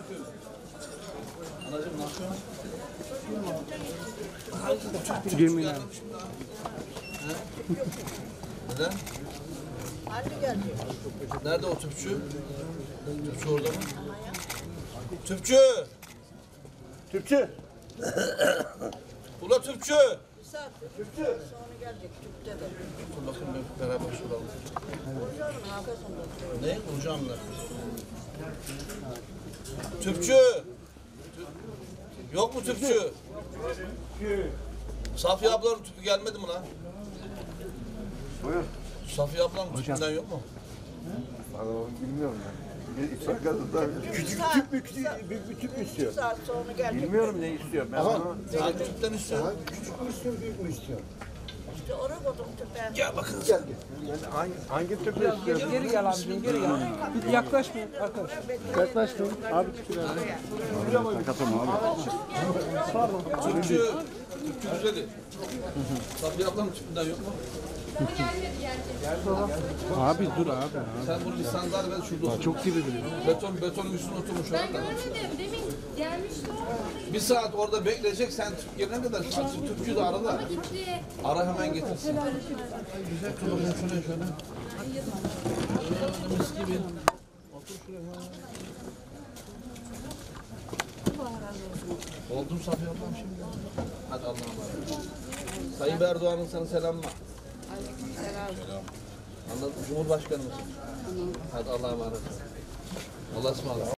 Anacığım ne yapıyorsun? Girmeyin abi. Neden? Anne geldi. Nerede o tüpçü? Tüpçü orada mı? Tüpçü! Türkçe. Ula tüpçü! Bir saat sonra gelecek tüpte de. Dur bakayım beraber soralım. Hocamın arkasında. Ne? Hocamla. Tüpçü! Yok mu tüpçü? Safiye ablanın tüpü gelmedi mi lan? Buyur. Safiye ablanın tüpünden yok mu? Vallahi bilmiyorum ben. Küçük tüp mü, büyük bir tüp mü istiyor? Bir saat sonra gelecek. Bilmiyorum ne istiyor. Ben onu Hangi tüpten istiyorsun? Küçük mü istiyor, büyük mü istiyor? İşte oraya koydum tüpe. Gel bakın. hangi tüpü istiyorsun? Geri gel abicim, geri gel. Bir yaklaşmayın arkadaşlar. Yaklaşmayın. Abi tüpü nerede? Tüpçü güzeli. Safiye ablanın tüpünden yok mu? Abi dur abi. Sen bunu lisanlar ver şurada otur. Çok gibi biliyor. Betonun üstüne oturmuş orada. Görmedim, demin gelmişti o. Bir saat orada bekleyecek, sen tüp gelene kadar tüpçü de ara da. Gitti. Ara hemen getirsin. Otur bakayım şuraya şöyle. Mis gibi. Otur şuraya. Oldum Safiye ablam şimdi. Hadi Allah'a emanet. Sayın Erdoğan'ın sana selamı var. Aleykümselam. Anladın mı? Cumhurbaşkanımız. Hadi Allah'a emanet. Allah'a ısmarladık.